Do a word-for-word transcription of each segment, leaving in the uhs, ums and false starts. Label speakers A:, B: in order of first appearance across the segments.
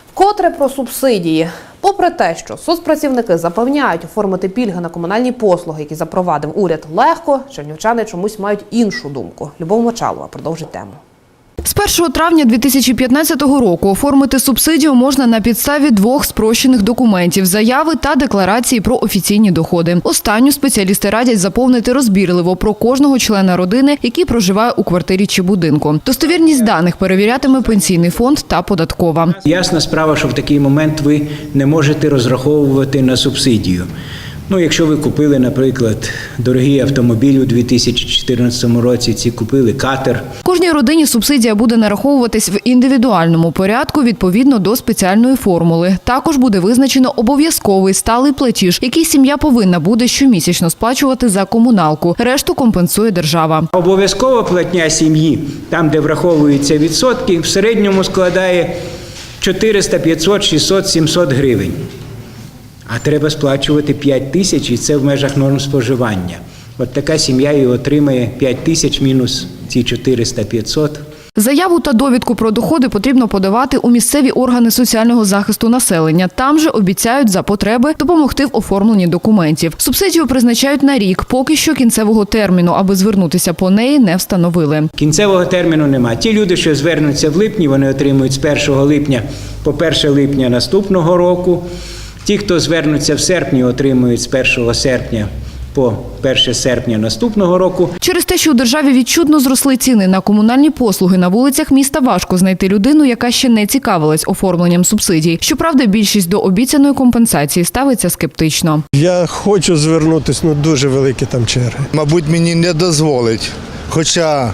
A: Вкотре про субсидії. Попри те, що соцпрацівники запевняють, оформити пільги на комунальні послуги, які запровадив уряд, легко, чернівчани чомусь мають іншу думку. Любов Мочалова продовжить тему.
B: З першого травня дві тисячі п'ятнадцятого року оформити субсидію можна на підставі двох спрощених документів – заяви та декларації про офіційні доходи. Останню спеціалісти радять заповнити розбірливо про кожного члена родини, який проживає у квартирі чи будинку. Достовірність даних перевірятиме Пенсійний фонд та податкова.
C: Ясна справа, що в такий момент ви не можете розраховувати на субсидію. Ну, якщо ви купили, наприклад, дорогий автомобіль у дві тисячі чотирнадцятому році, ці купили катер.
B: Кожній родині субсидія буде нараховуватись в індивідуальному порядку відповідно до спеціальної формули. Також буде визначено обов'язковий сталий платіж, який сім'я повинна буде щомісячно сплачувати за комуналку. Решту компенсує держава.
C: Обов'язкова платня сім'ї, там, де враховуються відсотки, в середньому складає чотириста, п'ятсот, шістсот, сімсот гривень. А треба сплачувати п'ять тисяч, і це в межах норм споживання. От така сім'я і отримає п'ять тисяч мінус ці чотириста, п'ятсот.
B: Заяву та довідку про доходи потрібно подавати у місцеві органи соціального захисту населення. Там же обіцяють за потреби допомогти в оформленні документів. Субсидію призначають на рік, поки що кінцевого терміну, аби звернутися по неї, не встановили.
C: Кінцевого терміну нема. Ті люди, що звернуться в липні, вони отримують з першого липня по перше липня наступного року. Ті, хто звернуться в серпні, отримують з першого серпня по перше серпня наступного року.
B: Через те, що у державі відчутно зросли ціни на комунальні послуги, на вулицях міста важко знайти людину, яка ще не цікавилась оформленням субсидій. Щоправда, більшість до обіцяної компенсації ставиться скептично.
D: Я хочу звернутися, ну дуже великі там черги.
E: Мабуть, мені не дозволить, хоча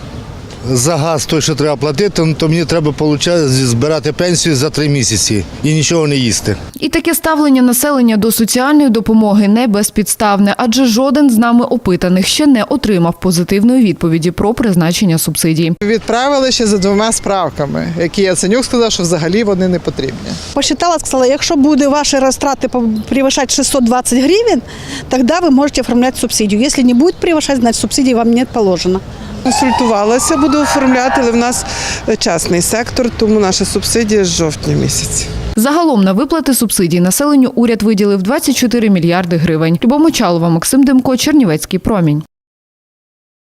E: за газ той, що треба платити, то мені треба получати, збирати пенсію за три місяці і нічого не їсти.
B: І таке ставлення населення до соціальної допомоги не безпідставне, адже жоден з нами опитаних ще не отримав позитивної відповіді про призначення субсидій.
F: Відправили ще за двома справками, які Яценюк сказав, що взагалі вони не потрібні.
G: Посчитала, сказала, якщо буде ваші розтрати превышать шестьсот двадцать гривень, тоді ви можете оформляти субсидію. Якщо не буде превышать, значить субсидії вам не положено.
F: Консультувалася, буду оформляти, але в нас частний сектор, тому наша субсидія з жовтня місяця.
B: Загалом на виплати субсидій населенню уряд виділив двадцять чотири мільярди гривень. Любов Мочалова, Максим Демко, Чернівецький промінь.